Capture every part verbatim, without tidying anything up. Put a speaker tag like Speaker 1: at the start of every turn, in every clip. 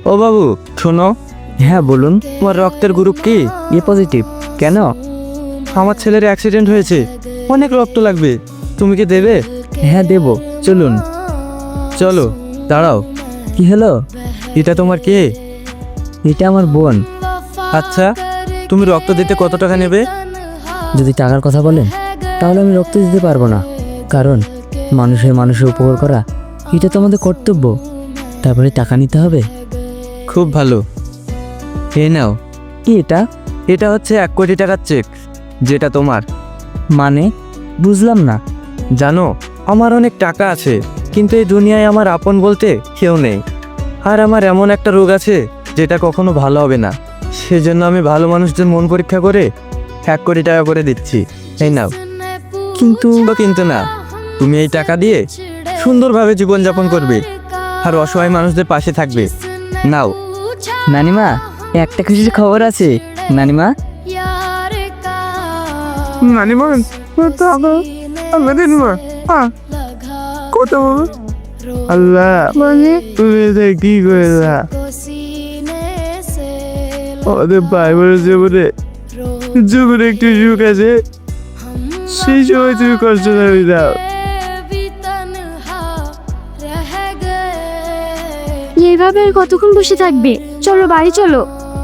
Speaker 1: ও বাবু শোনো,
Speaker 2: হ্যাঁ বলুন।
Speaker 1: তোমার রক্তের গ্রুপ কি?
Speaker 2: A positive. কেন?
Speaker 1: আমার ছেলের অ্যাক্সিডেন্ট হয়েছে, অনেক রক্ত লাগবে, তুমি কি দেবে?
Speaker 2: হ্যাঁ দেব, চলুন।
Speaker 1: চলো। দাঁড়াও,
Speaker 2: কি হলো?
Speaker 1: এটা তোমার কে?
Speaker 2: এটা আমার বোন।
Speaker 1: আচ্ছা, তুমি রক্ত দিতে কত টাকা নেবে?
Speaker 2: যদি টাকার কথা বলেন তাহলে আমি রক্ত দিতে পারবো না, কারণ মানুষের মানুষের উপকার করা এটা তো আমাদের কর্তব্য। তারপরে টাকা নিতে হবে।
Speaker 1: খুব ভালো, এ নাও।
Speaker 2: কি এটা?
Speaker 1: এটা হচ্ছে এক কোটি টাকার চেক, যেটা তোমার।
Speaker 2: মানে বুঝলাম না।
Speaker 1: জানো, আমার অনেক টাকা আছে, কিন্তু এই দুনিয়ায় আমার আপন বলতে কেউ নেই। আর আমার এমন একটা রোগ আছে যেটা কখনো ভালো হবে না, সেজন্য আমি ভালো মানুষদের মন পরীক্ষা করে এক কোটি টাকা করে দিচ্ছি। এই নাও।
Speaker 2: কিন্তু
Speaker 1: বা কিন্তু না, তুমি এই টাকা দিয়ে সুন্দরভাবে জীবনযাপন করবে আর অসহায় মানুষদের পাশে থাকবে। নাও।
Speaker 2: নানিমা, একটা খুশির খবর আছে। নানিমা,
Speaker 1: নানিমা কত আল্লাহ, মানে তুমি এটা কি করেলা আমাদের ভাই বোনের জীবনে? জীবনে একটু সুখ আছে, সেই সময় তুমি কষ্ট করে দাও।
Speaker 3: এইভাবে আর কতক্ষণ বসে থাকবে? চলো বাড়ি চলো।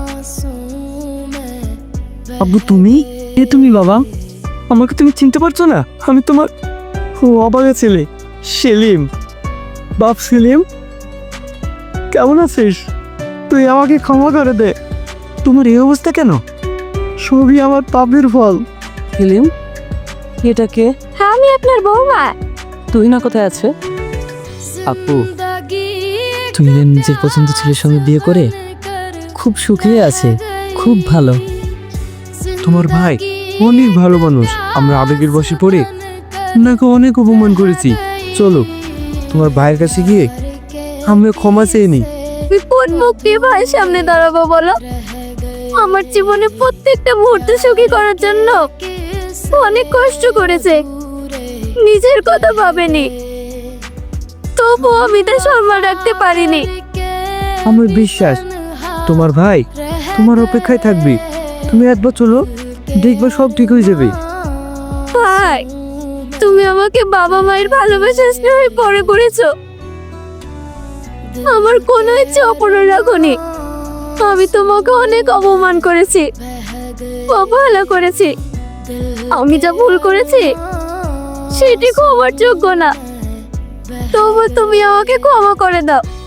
Speaker 1: আব্বু তুমি? এ তুমি বাবা, আমাকে তুমি চিনতে পারছো না? আমি তোমার অবাগা ছেলে সেলিম। বাপ সেলিম, কেমন আছিস? তুই আমাকে ক্ষমা করে দে। তোমার এই অবস্থা কেন? সবই আমার পাপের ফল।
Speaker 2: সেলিম, এটা কে?
Speaker 3: হ্যাঁ আমি আপনার বৌমা।
Speaker 2: তুই না কোথায় আছে? আপু, তুমি না নিজের পছন্দ ছেলের সঙ্গে বিয়ে করে খুব সুখে আছে, খুব ভালো।
Speaker 1: তোমার ভাই অনেক ভালো মানুষ, আমরা আবেগের বশে পড়ে ওনাকে অনেক অপমান করেছি। চলো তোমার ভাইয়ের কাছে গিয়ে আমরা ক্ষমা চেয়ে নিই।
Speaker 3: তুই কোন মুখ দিয়ে ভাইয়ের সামনে দাঁড়াবো বলো? আমার জীবনে প্রত্যেকটা মুহূর্ত সুখী করার জন্য অনেক কষ্ট করেছে, নিজের কথা ভাবেনি, তবু আমি তার সম্মান রাখতে পারিনি।
Speaker 1: আমার বিশ্বাস তোমার ভাই তোমার অপেক্ষায় থাকবে। তুমি একবার চলো, দেখবে সব ঠিক হয়ে যাবে।
Speaker 3: ভাই, তুমি আমাকে বাবা মায়ের ভালোবাসা স্নেহে পরে করেছো, আমার কোনো ইচ্ছে অপূর্ণ রাখনি। আমি তোমাকে অনেক অপমান করেছি, অবহেলা করেছি। আমি যা ভুল করেছি সেটি ক্ষমার যোগ্য না, তবু তুমি আমাকে ক্ষমা করে দাও।